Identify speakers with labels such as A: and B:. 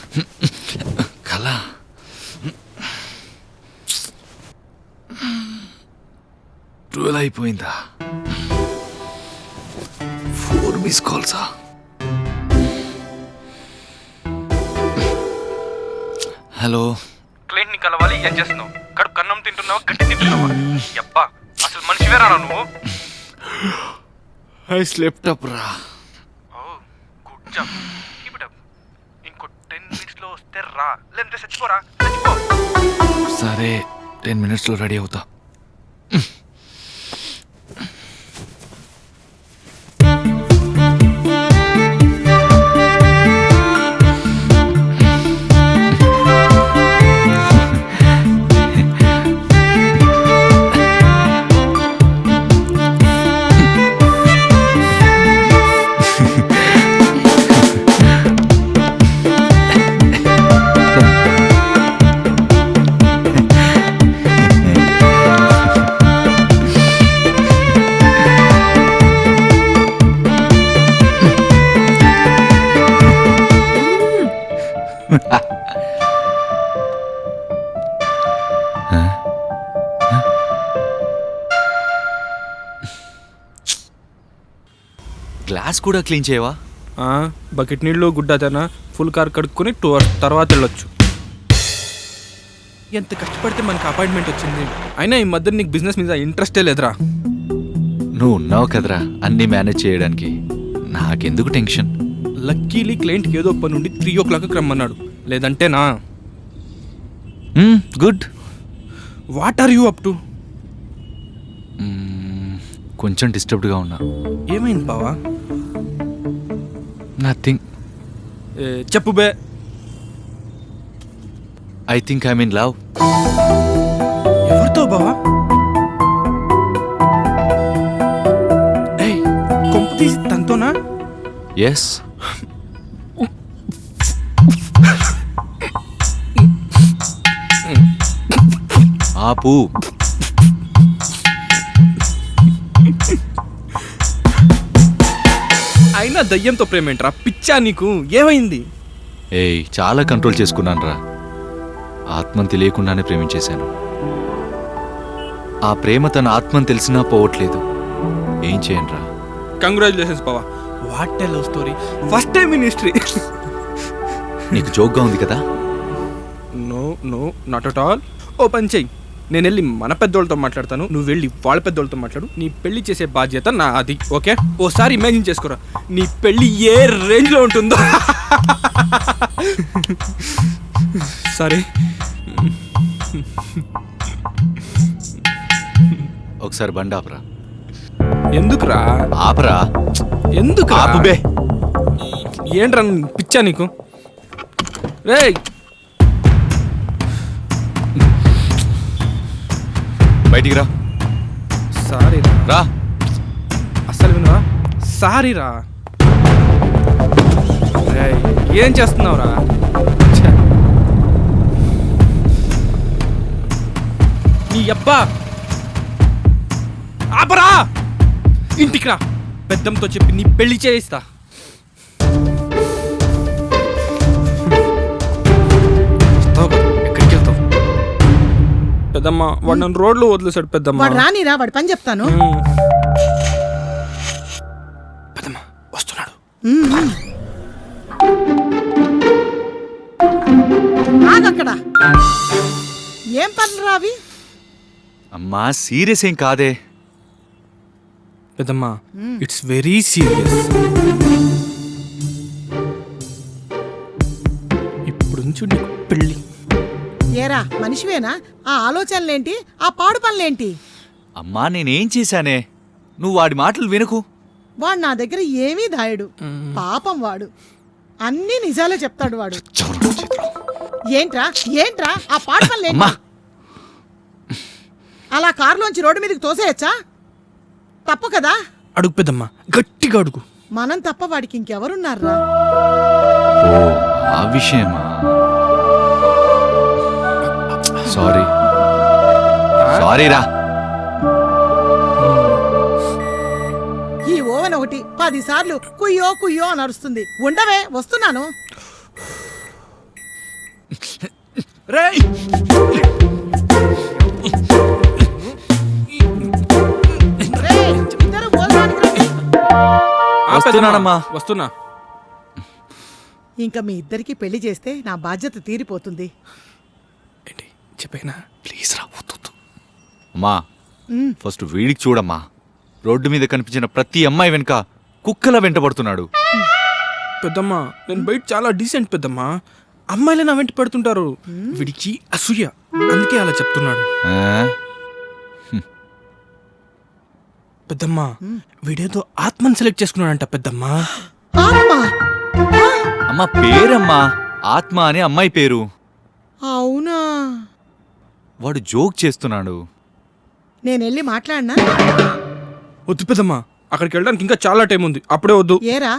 A: కళ 12 అయిపోయిందా? 4 miss కాల్సా? Hello,
B: client ని కలవాలి. ఏం చేస్తున్నావు? కడుపు కన్నం తింటున్నావా, గడ్డి తింటున్నావా? అబ్బా, అసలు మనిషివేరా నువ్వు?
A: ఐ స్లెప్ట్ అప్ రా.
B: Good job, keep it up. ఇంకో 10 minutes లో వస్తే రా, లేదంటే చచ్చిపోరా, చచ్చిపో.
A: సరే, 10 minutes లో రెడీ అవుతా. గ్లాస్ కూడా క్లీన్ చేయవా?
B: బకెట్ నీళ్ళు గుడ్డతనా ఫుల్ కార్ కడుక్కొని 2 hours తర్వాత వెళ్ళొచ్చు. ఎంత కష్టపడితే మనకు అపాయింట్మెంట్ వచ్చింది. అయినా ఈ మధ్య నీకు బిజినెస్ మీద ఇంట్రెస్టే లేదురా.
A: నువ్వు ఉన్నావు కదరా అన్నీ మేనేజ్ చేయడానికి, నాకెందుకు టెన్షన్.
B: లక్కీలీ క్లయింట్కి ఏదో పని నుండి 3 o'clock రమ్మన్నాడు, లేదంటేనా.
A: Good.
B: What are you up to?
A: కొంచెం డిస్టర్బ్డ్గా ఉన్నా.
B: ఏమైంది బావా?
A: నథింగ్.
B: చెప్పు బే.
A: I think I mean love.
B: ఎవరితో బావా? కొంప తీసి తనతోనా?
A: ఎస్. ఆపు.
B: అయినా దయ్యంతో ప్రేమేంట్రా, పిచ్చా నీకు? ఏమైంది?
A: చాలా కంట్రోల్ చేసుకున్నాను రా. ఆత్మని తెలియకుండానే ప్రేమించేశాను. ఆ ప్రేమ తన ఆత్మని తెలిసినా పోవట్లేదు. ఏం చేయను రా.
B: కంగ్రాచులేషన్స్ బావా, what a love story, first time in history.
A: నీకు జోక్గా ఉంది కదా?
B: No no, not at all. ఓ పని చెయ్యి, నేను వెళ్ళి మన పెద్దోళ్ళతో మాట్లాడతాను, నువ్వు వెళ్ళి వాళ్ళ పెద్దోళ్ళతో మాట్లాడు. నీ పెళ్లి చేసే బాధ్యత నా అది, ఓకే? ఓసారి ఇమాజిన్ చేసుకోరా నీ పెళ్లి ఏ రేంజ్లో ఉంటుందో. సరే,
A: ఒకసారి బండి ఆపరా.
B: ఎందుకురా?
A: ఆపరా.
B: ఎందుకు
A: ఆపుబే.
B: ఏంట్రా పిచ్చా నీకు? రేయ్,
A: బయటికి రా.
B: సారీ
A: రా.
B: అస్సలు వినవా? సారీ రా. ఏం చేస్తున్నావురా? నీ అబ్బా ఆపరా. ఇంటికి రా, పెద్దంతో చెప్పి నీ పెళ్లి చేయిస్తా. ఎక్కడికి వెళ్తావు? పెద్దమ్మ వాడు నన్ను రోడ్లో వదిలేశాడు. పెద్దమ్మ
C: వాడు రానిరా, వాడి పని చెప్తాను.
B: పెద్దమ్మ వస్తున్నాడు.
C: ఆగక్కడ. ఏం పనులు రావి?
A: అమ్మా సీరియస్ ఏం కాదే.
B: పెద్దమ్మ ఇట్స్ వెరీ సీరియస్. ఇప్పుడు నుంచి నీకు పెళ్ళి.
C: ఏరా మనిషివేనా? ఆ ఆలోచనలేంటి, ఆ పాడు పనులేంటి?
A: అమ్మా నేనేం చేశానే? నువ్వు వాడి మాటలు వినకు.
C: వాడు నా దగ్గర ఏమీ దాయడు. పాపం వాడు అన్నీ నిజాలే చెప్తాడు. వాడు ఏంట్రా ఏంట్రా ఆ పాడు పనులేంటి? అలా కారులోంచి రోడ్డు మీదకి తోసేయచ్చా? తప్పు కదా?
B: అడుగు పెద్దమ్మ, గట్టిగా అడుగు.
C: మనం తప్ప వాడికి ఇంకెవరున్నారా?
A: ఆ విషయమా? సారీ సారీరా.
C: ఈ ఓవెన్ ఒకటి 10 సార్లు కుయ్యో కుయ్యో అని అరుస్తుంది. ఉండవే, వస్తున్నాను.
B: రేయ్
C: రేయ్, ఇద్దరు భోజనానికి రండి.
B: ఆ పెద్దమ్మా,
A: వస్తున్నానమ్మా.
B: వస్తున్నా.
C: ఇంకా మీ ఇద్దరికి పెళ్లి చేస్తే నా బాధ్యత తీరిపోతుంది.
B: ఏంటి చెప్పేనా?
A: ప్లీజ్ రా వద్దు. అమ్మా
C: ఉమ్,
A: ఫస్ట్ వీడికి చూడమ్మా. రోడ్డు మీద కనిపించిన ప్రతి అమ్మాయి వెనుక కుక్కల వెంటబడుతున్నాడు.
B: పెద్దమ్మా నేను బయట చాలా డీసెంట్ పెద్దమ్మా. అమ్మాయిలే నా వెంట పెడుతుంటారు. వీడికి అసూయ, అందుకే అలా చెప్తున్నాడు.
A: ఆ?
B: పెద్దమ్మా వీడేదో ఆత్మని సెలెక్ట్ చేసుకున్నాడంట పెద్దమ్మా.
C: ఆత్మ. ఆ,
A: అమ్మా పేరమ్మా ఆత్మ అని అమ్మాయి పేరు.
C: అవునా?
A: వాడు జోక్ చేస్తున్నాడు.
C: నేను వెళ్ళి మాట్లాడినా?
B: వద్దు పెద్దమ్మా, అక్కడికి వెళ్ళడానికి ఇంకా చాలా టైం ఉంది. అప్పుడే వద్దు.
C: ఏరా